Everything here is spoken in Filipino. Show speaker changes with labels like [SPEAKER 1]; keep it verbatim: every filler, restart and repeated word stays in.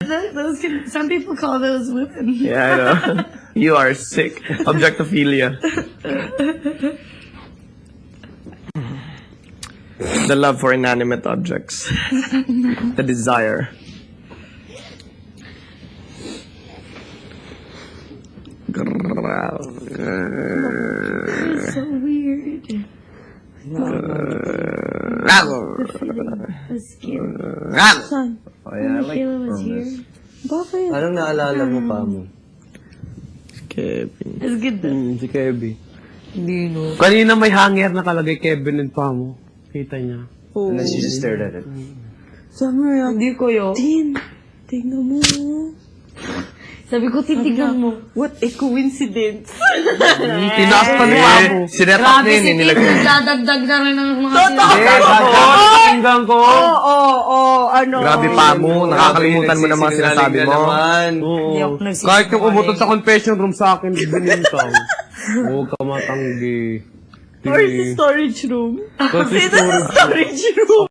[SPEAKER 1] th- those can, some people call those women.
[SPEAKER 2] Yeah, I know. You are sick. Objectophilia. The love for inanimate objects. The desire.
[SPEAKER 1] So weird. The skin. Son,
[SPEAKER 3] Oh, yeah, I like
[SPEAKER 1] Kayla was here.
[SPEAKER 3] promise.
[SPEAKER 1] Bakit?
[SPEAKER 3] Anong naalala mo pa mo?
[SPEAKER 2] Kevin.
[SPEAKER 1] It's good though.
[SPEAKER 4] Hmm, si Kevin.
[SPEAKER 1] Hindi no.
[SPEAKER 4] Kanina may hanger nakalagay Kevin and pa mo. Kita niya.
[SPEAKER 1] Oh.
[SPEAKER 3] And then she just stared at it.
[SPEAKER 1] Summer, hindi ko yun. Tin, tingnan mo. Sabi ko, titignan mo. What a coincidence.
[SPEAKER 4] Tinaas pa ni Pamo.
[SPEAKER 2] Sinepak niya yun, eh, nilagay.
[SPEAKER 1] Nagdadagdag na rin ng mga
[SPEAKER 4] Tingnan ko.
[SPEAKER 1] Oo, oo, oo, ano.
[SPEAKER 2] Grabe pa mo, nakakalimutan mo na mga sinasabi mo.
[SPEAKER 1] Hindi ako nagsisinungaling.
[SPEAKER 4] Kahit yung umutot sa confession room sa akin, binintang. Huwag ka matanggi.
[SPEAKER 1] Or sa storage room.
[SPEAKER 4] Kasi
[SPEAKER 1] Dito sa storage room.